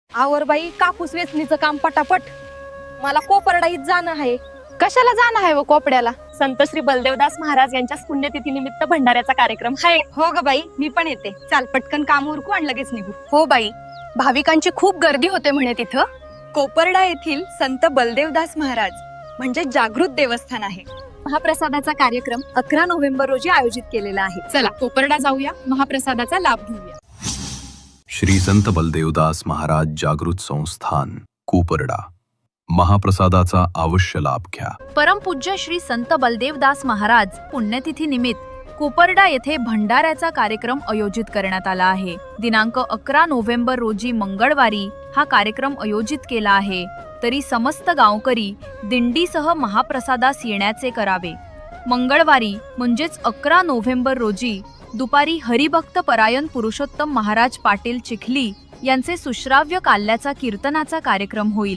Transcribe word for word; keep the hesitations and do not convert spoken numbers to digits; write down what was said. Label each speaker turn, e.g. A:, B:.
A: आवर बाई, कापूस वेचणीचं काम पटापट. मला कोपर्डाईत जाणं आहे.
B: कशाला जाणं आहे व कोपड्याला?
C: संत श्री बलदेवदास महाराज यांच्या पुण्यतिथी निमित्त भंडाऱ्याचा कार्यक्रम आहे.
A: हो ग बाई, मी पण येते. चाल पटकन काम उरकू आणि लगेच निघू.
B: हो बाई, भाविकांची खूप गर्दी होते म्हणे तिथं.
A: कोपर्डा येथील संत बलदेवदास महाराज म्हणजे जागृत देवस्थान आहे. महाप्रसादाचा कार्यक्रम अकरा नोव्हेंबर रोजी आयोजित केलेला आहे.
B: चला कोपर्डा जाऊया, महाप्रसादाचा लाभ घेऊया.
D: श्री संत बलदेवदास महाराज जागृत संस्थान कोपर्डा, महाप्रसादाचा अवश्य लाभ घ्या.
E: परमपूज्य श्री संत बलदेवदास महाराज पुण्यतिथी निमित्त कोपर्डा येथे भंडाऱ्याचा कार्यक्रम आयोजित करण्यात आला आहे. दिनांक अकरा नोव्हेंबर रोजी मंगळवारी हा कार्यक्रम आयोजित केला आहे. तरी समस्त गावकरी दिंडीसह महाप्रसादास येण्याचे करावे. मंगळवारी म्हणजेच अकरा नोव्हेंबर रोजी दुपारी हरिभक्त परायण पुरुषोत्तम महाराज पाटील चिखली यांचे सुश्राव्य काल्याचा कीर्तनाचा कार्यक्रम होईल.